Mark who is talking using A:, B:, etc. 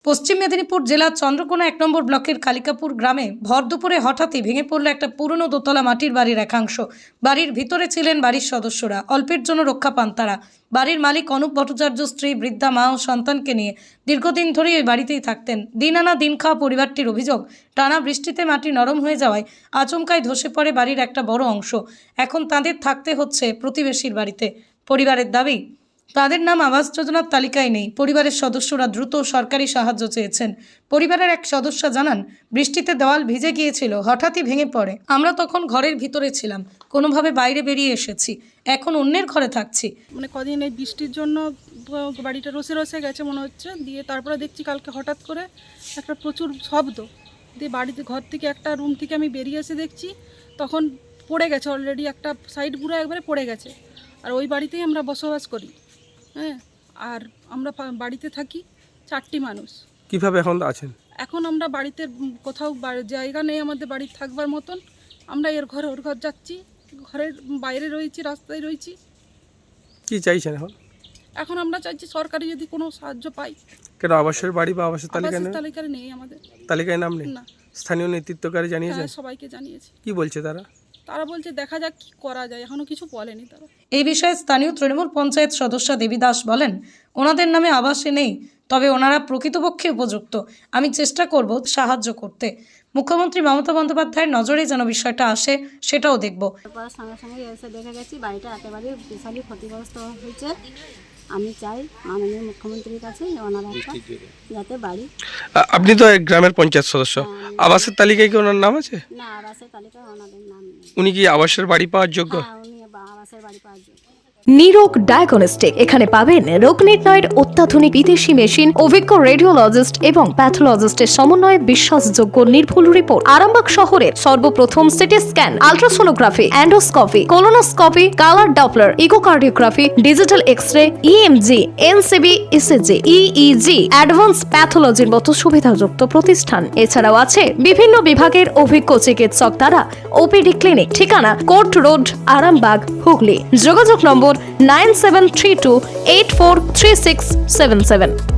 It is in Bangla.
A: পশ্চিম মেদিনীপুর জেলার চন্দ্রকোনা 1 নম্বর ব্লকের কালিকাপুর গ্রামে ভর দুপুরে হঠাৎই ভেঙে পড়ল একটা পুরনো দোতলা মাটির বাড়ির একাংশ। বাড়ির ভিতরে ছিলেন বাড়ির সদস্যরা, অল্পের জন্য রক্ষা পান তারা। বাড়ির মালিক অনুপ ভট্টাচার্য স্ত্রী, বৃদ্ধা মা ও সন্তানকে নিয়ে দীর্ঘদিন ধরেই ওই বাড়িতেই থাকতেন। দিন আনা দিন খাওয়া পরিবারটির অভিযোগ, টানা বৃষ্টিতে মাটি নরম হয়ে যাওয়ায় আচমকায় ধসে পড়ে বাড়ির একটা বড় অংশ। এখন তাদের থাকতে হচ্ছে প্রতিবেশীর বাড়িতে। পরিবারের দাবি, তাদের নাম আবাস যোজনার তালিকায় নেই। পরিবারের সদস্যরা দ্রুত সরকারি সাহায্য চেয়েছেন। পরিবারের এক সদস্য জানান, বৃষ্টিতে দেওয়াল ভিজে গিয়েছিল, হঠাৎই ভেঙে পড়ে। আমরা তখন ঘরের ভিতরে ছিলাম, কোনোভাবে বাইরে বেরিয়ে এসেছি, এখন অন্যের ঘরে থাকছি।
B: মানে কদিন এই বৃষ্টির জন্য বাড়িটা রসে রসে গেছে মনে হচ্ছে। দিয়ে তারপরে দেখছি কালকে হঠাৎ করে একটা প্রচুর শব্দ দিয়ে বাড়িতে ঘর থেকে একটা রুম থেকে আমি বেরিয়ে এসে দেখছি তখন পড়ে গেছে, অলরেডি একটা সাইড পুরো একবারে পড়ে গেছে। আর ওই বাড়িতেই আমরা বসবাস করি। হ্যাঁ, আর আমরা বাড়িতে থাকি 4টি মানুষ।
C: কিভাবে এখন আছেন?
B: এখন আমরা বাড়িতে কোথাও জায়গা নেই আমাদের বাড়ির থাকবার মতন। আমরা এর ঘরে ওর ঘর যাচ্ছি, ঘরের বাইরে রয়েছি, রাস্তায় রয়েছি।
C: কি চাইছেন এখন?
B: এখন আমরা চাইছি সরকারি যদি কোনো সাহায্য পাই।
C: কেন আবাসের বাড়ি বা আবাসের তালিকায় নেই?
B: তালিকায় নেই আমাদের,
C: তালিকায় নাম নেই?
B: না।
C: স্থানীয় নেতৃত্বকারী জানিয়েছেন?
B: হ্যাঁ, সবাইকে জানিয়েছি।
C: কি বলছে তারা?
B: তারা বলছে দেখা যাক কি করা যায়, এখনো কিছু বলেনি তারা।
A: এই বিষয়ে স্থানীয় তৃণমূল পঞ্চায়েত সদস্য দেবী দাস বলেন, ওনাদের নামে আবাসে নেই, তবে ওনারা প্রকৃতপক্ষে উপযুক্ত। আমি চেষ্টা করব সাহায্য করতে। মুখ্যমন্ত্রী মমতা বন্দ্যোপাধ্যায়ের নজরে যেন বিষয়টা আসে, সেটাও দেখব।
D: তারপর সঙ্গে সঙ্গে এসে দেখে গেছি বাড়িটা একেবারে বিশালই ক্ষতিগ্রস্ত হয়েছে। আমি চাই মাননীয় মুখ্যমন্ত্রীর কাছে ওনারা একটা যাতে বাড়ি।
C: আপনি তো এক গ্রামের পঞ্চায়েত সদস্য, আবাসের তালিকায় কি ওনার নাম আছে?
D: না, আবাসের তালিকায় ওনাদের নাম নেই।
C: উনি কি আবাসের বাড়ি পাওয়ার যোগ্য?
D: হ্যাঁ, উনি আবাসের বাড়ি পাওয়ার যোগ্য।
E: নিরোগ ডায়াগনস্টিক, এখানে পাবেন রোগ নির্ণয়ের অত্যাধুনিক বিদেশি মেশিন, অভিজ্ঞ রেডিওলজিস্ট এবং প্যাথোলজিস্টের সমন্বয়ে বিশ্বাসযোগ্য নির্ভুল রিপোর্ট। আরামবাগ শহরের সর্বপ্রথম CT scan, ultrasonography, endoscopy, colonoscopy, colour doppler, echocardiography, digital X-ray, EMG, NCB, ECG, EEG, advance প্যাথোলজির মতো সুবিধাযুক্ত প্রতিষ্ঠান। এছাড়াও আছে বিভিন্ন বিভাগের অভিজ্ঞ চিকিৎসক দ্বারা ওপিডি ক্লিনিক। ঠিকানা কোর্ট রোড, আরামবাগ, হুগলি। যোগাযোগ নম্বর 9732843677।